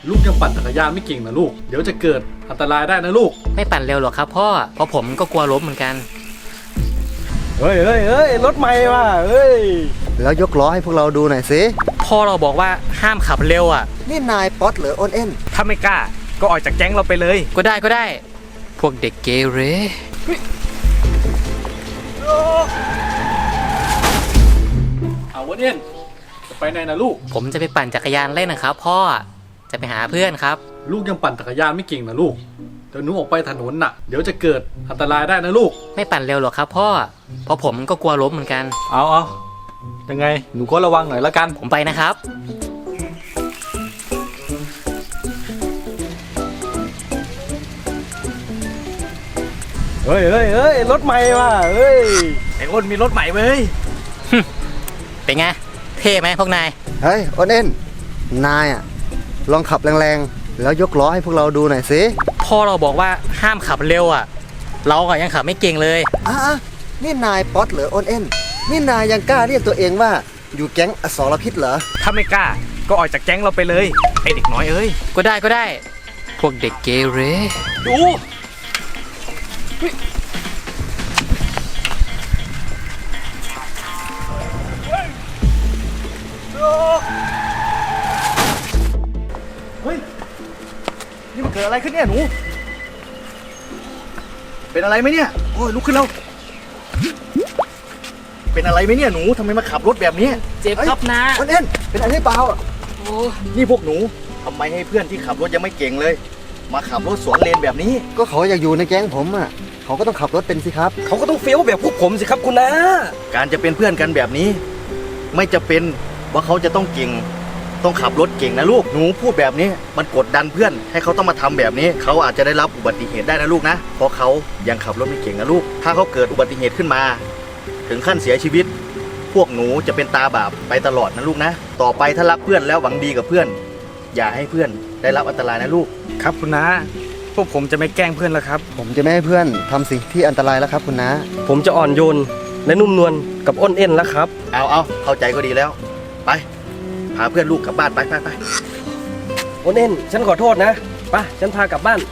ลูกยังปั่นจักรยานไม่เก่งนะลูกเดี๋ยวจะเกิดอันตรายได้นะลูกไม่ปั่นเร็วหรอกครับพ่อเพราะผมก็กลัวล้มเหมือนกันเฮ้ยรถใหม่ว่ะเฮ้ยแล้วยกล้อให้พวกเราดูหน่อยสิพ่อเราบอกว่าห้ามขับเร็วอ่ะนี่นายป๊อตหรืออ้นเอ็นถ้าไม่กล้าก็ออกจากแก๊งเราไปเลยก็ได้พวกเด็กเกเรเอาวันเอ็นจะไปไหนนะลูกผมจะไปปั่นจักรยานเล่นนะครับพ่อจะไปหาเพื่อนครับลูกยังปั่นจักรยานไม่เก่งนะลูกเดี๋ยวหนูออกไปถนนน่ะเดี๋ยวจะเกิดอันตรายได้นะลูกไม่ปั่นเร็วหรอกครับพ่อเพราะผมก็กลัวล้มเหมือนกันเอายังไงหนูก็ระวังหน่อยละกันผมไปนะครับเฮ้ยรถใหม่ว่ะเฮ้ยไอ้อ้นมีรถใหม่เว้ยเป็นไงเท่ไหมพวกนายเฮ้ยอ้นเอ็นนายอ่ะลองขับแรงๆแล้วยกล้อให้พวกเราดูหน่อยสิพ่อเราบอกว่าห้ามขับเร็วอ่ะเราก็ยังขับไม่เก่งเลยนี่นายป๊อตหรืออ้นเอ็นนี่นายยังกล้าเรียกตัวเองว่าอยู่แก๊งอสรพิษเหรอถ้าไม่กล้าก็ออกจากแก๊งเราไปเลยไอเด็กน้อยเอ้ยก็ได้พวกเด็กเกเรดูเฮ้ยนี่มันเกิดอะไรขึ้นเนี่ยหนูเป็นอะไรไหมเนี่ยโอ้ยลุกขึ้นแล้วเป็นอะไรไหมเนี่ยหนูทำไมมาขับรถแบบนี้เจ็บครับนะอ้นเอ็นเป็นอะไรเปล่านี่พวกหนูทำไมให้เพื่อนที่ขับรถยังไม่เก่งเลยมาขับรถสวนเลนแบบนี้ก็เขาอยากอยู่ในแก๊งผมอ่ะเขาก็ต้องขับรถเป็นสิครับเขาก็ต้องเฟี้ยวแบบพวกผมสิครับคุณนะการจะเป็นเพื่อนกันแบบนี้ไม่จะเป็นว่าเขาจะต้องเก่งต้องขับรถเก่งนะลูกหนูพูดแบบนี้มันกดดันเพื่อนให้เขาต้องมาทำแบบนี้เขาอาจจะได้รับอุบัติเหตุได้นะลูกนะเพราะเขายังขับรถไม่เก่งนะลูกถ้าเขาเกิดอุบัติเหตุขึ้นมาถึงขั้นเสียชีวิตพวกหนูจะเป็นตาบาปไปตลอดนะลูกนะต่อไปถ้ารักเพื่อนแล้วหวังดีกับเพื่อนอย่าให้เพื่อนได้รับอันตรายนะลูกครับคุณน้าพวกผมจะไม่แกล้งเพื่อนแล้วครับผมจะไม่ให้เพื่อนทำสิ่งที่อันตรายแล้วครับคุณน้าผมจะอ่อนโยนและนุ่มนวลกับอ้นเอ็นแล้วครับเอาเข้าใจก็ดีแล้วไปพาเพื่อนลูกกลับบ้านไปอ้นเอ็นฉันขอโทษนะไปฉันพากลับบ้าน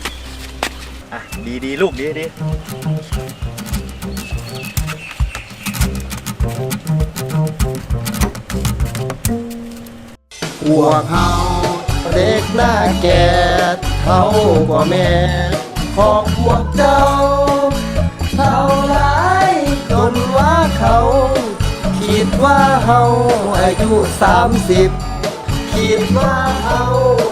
ดีลูกดีพวกเขาเด็กหน้าแก่เขากว่าแม่ของพวกเจ้าเท่าไรจนว่าเขาคิดว่าเขาอายุ30คิดว่าเขา